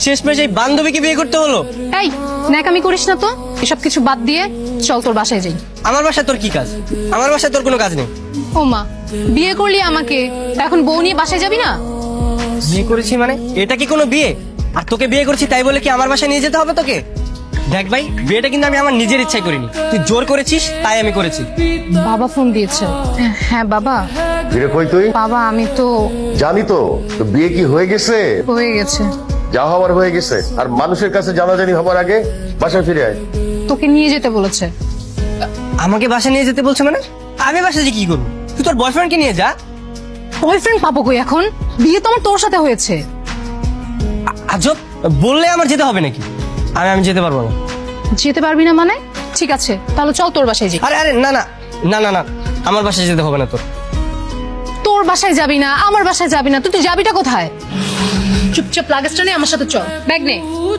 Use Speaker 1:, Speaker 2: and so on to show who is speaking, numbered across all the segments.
Speaker 1: শেষমেশ এই বান্ধবীকে বিয়ে করতে হলো।
Speaker 2: এই ন্যাকামি করিস না তো, এসব কিছু বাদ দিয়ে চল তোর বাসায় যাই।
Speaker 1: আমার বাসায় তোর কি কাজ? আমার বাসায় তোর কোনো কাজ নেই।
Speaker 2: ও মা, বিয়ে করলি আমাকে, এখন বউ নিয়ে বাসায় যাবি না?
Speaker 1: বিয়ে করেছি মানে এটা কি কোনো বিয়ে? আর তোকে বিয়ে করেছি তাই বলে কি আমার বাসায় নিয়ে যেতে হবে তোকে? দেখ ভাই, বিয়েটা কিন্তু আমি আমার নিজের ইচ্ছায় করিনি, তুই জোর করেছিস তাই আমি করেছি।
Speaker 2: বাবা ফোন দিয়েছে। হ্যাঁ বাবা।
Speaker 3: ফিরে কই তুই?
Speaker 2: বাবা আমি তো
Speaker 3: জানি তো, তো বিয়ে কি হয়ে গেছে?
Speaker 2: হয়ে গেছে।
Speaker 3: যা হওয়ার হয়ে গেছে, আর মানুষের কাছে জানাজানি হবার আগে বাসায় ফিরে আয়।
Speaker 2: তোকে নিয়ে যেতে বলেছে।
Speaker 1: আমাকে বাসায় নিয়ে যেতে বলছে মানে? আমি বাসায় যে কি করবো? তুই তোর বয়ফ্রেন্ডকে নিয়ে যা।
Speaker 2: বয়ফ্রেন্ড পাবো কই এখন? বিয়ে তো আমার তোর সাথে হয়েছে।
Speaker 1: আজব, বললে আমার যেতে হবে নাকি? আমি যেতে পারবো না।
Speaker 2: যেতে পারবি না মানে? ঠিক আছে তাহলে চল তোর বাসায় যাই।
Speaker 1: আরে আরে না না না না না, আমার বাসায় যেতে হবে না তোর।
Speaker 2: তোর বাসায় যাবি না, আমার বাসায় যাবি না, তুই যাবিটা কোথায়? চুপচাপ লাগেজটা নিয়ে আমার সাথে চল, ব্যাগ নে।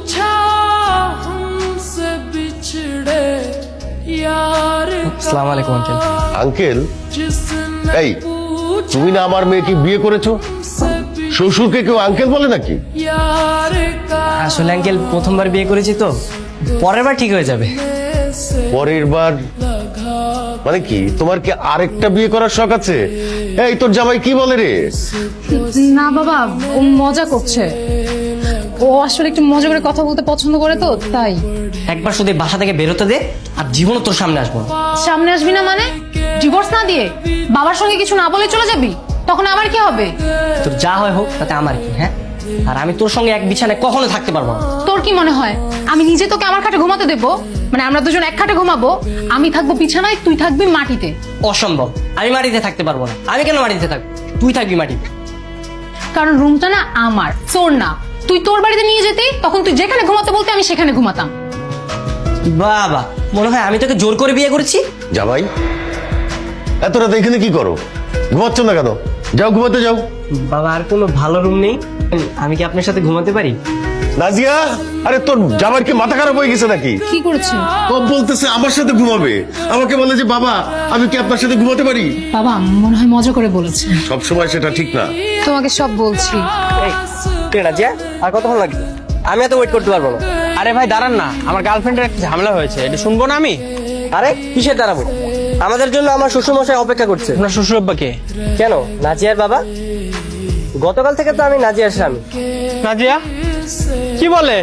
Speaker 1: আসসালামু আলাইকুম আঙ্কেল।
Speaker 3: আঙ্কেল? এই, তুমি না আমার মেয়েকে বিয়ে করেছো? শ্বশুরকে কেউ আঙ্কেল বলে নাকি?
Speaker 1: আসলে আঙ্কেল প্রথমবার বিয়ে করেছি তো, পরের বার ঠিক হয়ে যাবে।
Speaker 3: পরের বার মানে কি? তোমার কি আরেকটা বিয়ে করার শখ আছে? এই, তোর জামাই কি বলে রে?
Speaker 2: না বাবা, ও মজা করছে। ও আসলে একটু মজা করে কথা বলতে পছন্দ করে তো তাই।
Speaker 1: একবার শুধু এই বাসা থেকে বেরোতে দে, আর জীবনও তোর সামনে আসবো না।
Speaker 2: সামনে আসবি না মানে? ডিভোর্স না দিয়ে বাবার সঙ্গে কিছু না বলে চলে যাবি? তখন আমার কি হবে?
Speaker 1: তোর যা হয় হোক, তাতে আমার কি? হ্যাঁ, আর আমি তোর সঙ্গে এক বিছানায় কখনো থাকতে পারবো না।
Speaker 2: তোর কি মনে হয় আমি নিজে তোকে আমার খাটে ঘুমাতে দেবো? মানে আমরা দুজন এক খাটে ঘুমাবো, আমি থাকবো বিছানায়, তুই থাকবি মাটিতে।
Speaker 1: অসম্ভব, আমি মাটিতে থাকতে পারবো না। আমি কেন মাটিতে থাকবো? তুই থাকবি মাটিতে।
Speaker 2: কারণ রুমটা না আমার, তোর না। তুই তোর বাড়িতে নিয়ে যেতে, তখন তুই যেখানে ঘুমাতে বলতে আমি সেখানে ঘুমাতাম।
Speaker 1: বাবা, মনে হয় আমি তোকে জোর করে বিয়ে করেছি।
Speaker 3: জামাই, এত রাত এখানে কি করো? ঘুমাচ্ছ না কেন? যাও, ঘুমাতে যাও।
Speaker 1: বাবা, আর কোনো ভালো রুম নেই? আমি কি আপনার সাথে ঘুমাতে পারি?
Speaker 3: নাজিয়া, আরে তোর জামাইয়ের কি মাথা খারাপ হয়ে গেছে নাকি?
Speaker 2: কি করেছে?
Speaker 3: ও বলতেছে আমার সাথে ঘুমাবে, আমাকে বলে যে বাবা আমি কি আপনার সাথে ঘুমাতে পারি?
Speaker 2: বাবা মনে হয় মজা করে বলেছে।
Speaker 3: সব সময় সেটা ঠিক না।
Speaker 2: তোমাকে সব বলছি।
Speaker 1: রাজিয়া, আর কতক্ষণ লাগবে? আমি এত ওয়েট করতে পারবো না।
Speaker 4: আরে ভাই দাঁড়ান না, আমার গার্লফ্রেন্ডের একটা ঝামেলা হয়েছে, এটা শুনবো না আমি?
Speaker 1: আরে কিসের দাঁড়াবো? আমাদের জন্য আমার শ্বশুরমশাই অপেক্ষা করছে।
Speaker 4: আপনার শ্বশুর আব্বাকে?
Speaker 1: কেন, নাজিয়ার বাবা? গতকাল থেকে তো আমি নাজিয়ার স্বামী।
Speaker 4: নাজিয়া কি বলে?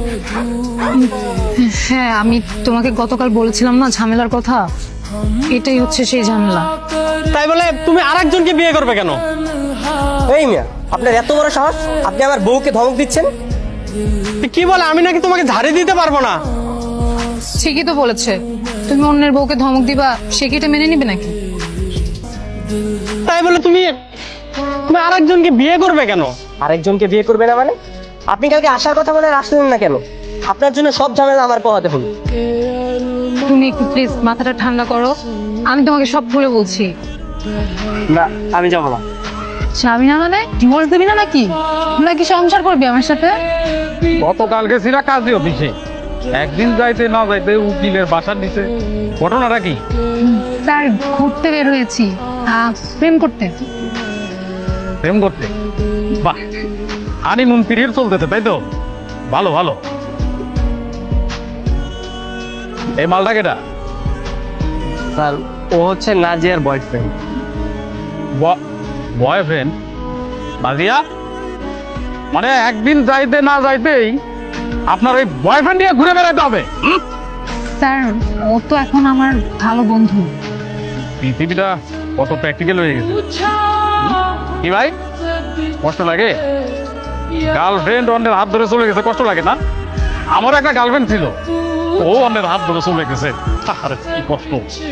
Speaker 2: হ্যাঁ, আমি তোমাকে গতকাল বলেছিলাম না ঝামেলার কথা, এটাই হচ্ছে সেই ঝামেলা।
Speaker 4: তাই বলে তুমি আরেকজনকে বিয়ে করবে কেন?
Speaker 1: এই মিয়া, আপনার এত বড় সাহস, আপনি আমার বউকে ধমক দিচ্ছেন?
Speaker 4: কি বলে? আমি নাকি তোমাকে ঝাড়ি দিতে পারবো না?
Speaker 2: ঠিকই তো বলেছে। তুমি অন্যের বউকে ধমক দিবা, সে কি এটা মেনে নিবে নাকি?
Speaker 4: তাই বলে তুমি তুমি আরেকজনকে বিয়ে করবে কেন?
Speaker 1: আরেকজনকে বিয়ে করবে না মানে? আপনি কালকে আসার কথা বলে আর আসলেন না কেন? আপনার জন্য সব ঝামেলা আমার পোহাতে হলো।
Speaker 2: তুমি একটু প্লিজ মাথাটা ঠান্ডা করো, আমি তোমাকে সব খুলে বলছি।
Speaker 1: না, আমি যাবো না।
Speaker 2: স্বামী না মানে ডিভোর্স দিবি না নাকি? নাকি সংসার করবি আমার সাথে?
Speaker 5: গতকালকে ছিল কাজী অফিসে, একদিন যাইতে না যাইতে উকিলের বাসার নিচে। ঘটনাটা কি?
Speaker 2: স্যার ঘুরতে বের হয়েছি, প্রেম করতে।
Speaker 5: প্রেম করতে? বাহ, হানিমুন পিরিয়ড চলতেছে তাই তো? ভালো ভালো। এই মালটা কেটা?
Speaker 1: স্যার, ও হচ্ছে নাজিয়ার বয়ফ্রেন্ড।
Speaker 5: বয়ফ্রেন্ড? নাজিয়া, মানে একদিন যাইতে না যাইতেই আপনার ওই বয়ফ্রেন্ড নিয়ে ঘুরে বেড়াতে হবে?
Speaker 2: স্যার ও তো এখন আমার ভালো বন্ধু।
Speaker 5: পৃথিবীটা কত প্র্যাকটিক্যাল হয়ে গেছে। কি ভাই, কষ্ট লাগে? গার্লফ্রেন্ড অন্যের হাত ধরে চলে গেছে, কষ্ট লাগে না? আমার একটা গার্লফ্রেন্ড ছিল, ও অন্যের হাত ধরে চলে গেছে। আরে কি কষ্ট।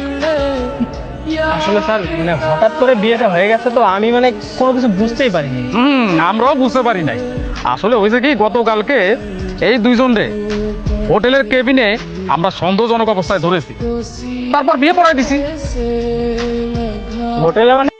Speaker 4: আসলে স্যার মানে হঠাৎ করে বিয়েটা হয়ে গেছে তো, আমি মানে কোনো কিছু বুঝতেই পারিনি।
Speaker 5: আমরাও বুঝতে পারি নাই। আসলে হয়েছে কি, গতকালকে এই দুইজনরে হোটেলের কেবিনে আমরা সন্দেহজনক অবস্থায় ধরেছি, তারপর বিয়ে পড়াই দিছি।
Speaker 4: হোটেলে মানে